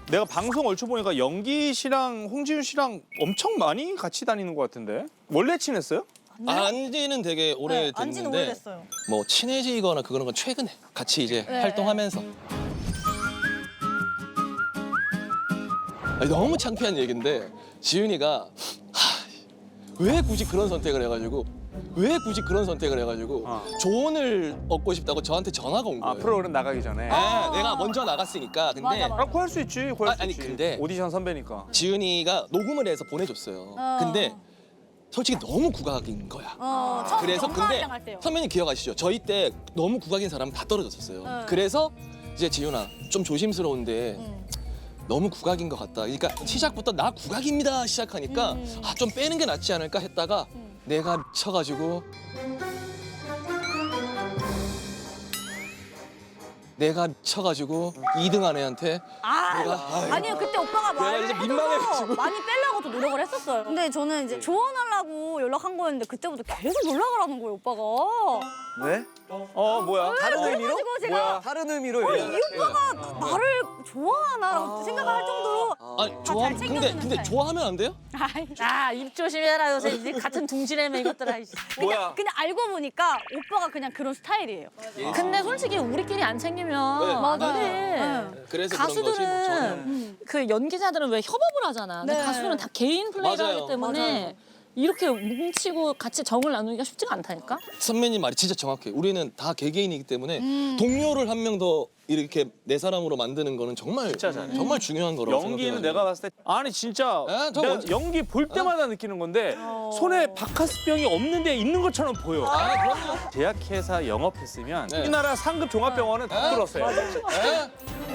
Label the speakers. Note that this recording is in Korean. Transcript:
Speaker 1: 내가 방송 얼추 보니까 영기 씨랑 홍지윤 씨랑 엄청 많이 같이 다니는 것 같은데. 원래 친했어요?
Speaker 2: 안지는 되게 오래
Speaker 3: 안지는
Speaker 2: 됐는데
Speaker 3: 오래됐어요.
Speaker 2: 뭐 친해지거나 그런 건 최근에 같이 이제
Speaker 3: 네,
Speaker 2: 활동하면서. 아니, 너무 창피한 얘기인데 지윤이가 왜 굳이 그런 선택을 해가지고 조언을 얻고 싶다고 저한테 전화가 온 거예요.
Speaker 1: 프로그램 나가기 전에.
Speaker 2: 네, 내가 먼저 나갔으니까. 근데
Speaker 3: 맞아, 맞아.
Speaker 1: 구할 수 있지. 구할 수
Speaker 2: 아니,
Speaker 1: 있지.
Speaker 2: 근데-
Speaker 1: 오디션 선배니까.
Speaker 2: 지윤이가 녹음을 해서 보내줬어요. 근데 솔직히 너무 국악인 거야.
Speaker 3: 처음
Speaker 2: 그래서 근데
Speaker 3: 정가랑 할 때요.
Speaker 2: 선배님 기억하시죠? 저희 때 너무 국악인 사람 다 떨어졌었어요.
Speaker 3: 네.
Speaker 2: 그래서 이제 지윤아 좀 조심스러운데 너무 국악인 것 같다. 그러니까 시작부터 나 국악입니다 시작하니까 좀 빼는 게 낫지 않을까 했다가 내가 미쳐가지고 내가 미쳐가지고 2등한 애한테
Speaker 3: 아니요, 그때 오빠가
Speaker 2: 내가 이제
Speaker 3: 말을
Speaker 2: 민망해가지고.
Speaker 3: 해줘서 많이 빼려고 좀 노력을 했었어요. 근데 저는 이제 조언하려고 연락한 거였는데 그때부터 계속 연락을 하는 거예요, 오빠가.
Speaker 4: 왜?
Speaker 1: 뭐야?
Speaker 4: 다른 의미로?
Speaker 3: 그래가지고 제가
Speaker 1: 뭐야?
Speaker 4: 다른 의미로
Speaker 3: 이
Speaker 4: 연락을
Speaker 3: 오빠가 나를 좋아하나 생각을 할 정도로
Speaker 2: 아니 좋아하면
Speaker 3: 잘
Speaker 2: 근데
Speaker 3: 챙겨주는 스타일.
Speaker 2: 좋아하면 안 돼요?
Speaker 5: 입 조심해라 요새 이제 같은 둥지래매 이것들아.
Speaker 1: 뭐야?
Speaker 3: 그냥 알고 보니까 오빠가 그냥 그런 스타일이에요.
Speaker 5: 근데 솔직히 우리끼리 안 챙기면
Speaker 2: 네.
Speaker 5: 안
Speaker 3: 맞아요.
Speaker 5: 돼.
Speaker 2: 그래서 그런 거지 뭐 전혀.
Speaker 5: 가수들은 그 연기자들은 왜 협업을 하잖아. 근데
Speaker 3: 네.
Speaker 5: 가수들은 다 개인 플레이를
Speaker 2: 맞아요.
Speaker 5: 하기 때문에 이렇게 뭉치고 같이 정을 나누기가 쉽지가 않다니까.
Speaker 2: 선배님 말이 진짜 정확해. 우리는 다 개개인이기 때문에 동료를 한 명 더 이렇게 내 사람으로 만드는 거는 정말 정말 중요한 거라고
Speaker 1: 연기는
Speaker 2: 생각해요.
Speaker 1: 내가 봤을 때 아니 진짜
Speaker 2: 에? 저
Speaker 1: 내가
Speaker 2: 어디-
Speaker 1: 연기 볼 때마다 느끼는 건데 손에 바카스병이 없는데 있는 것처럼 보여.
Speaker 2: 그럼요.
Speaker 1: 제약회사 영업했으면
Speaker 2: 네.
Speaker 1: 우리나라 상급 종합병원은 다 뚫었어요.
Speaker 2: 에?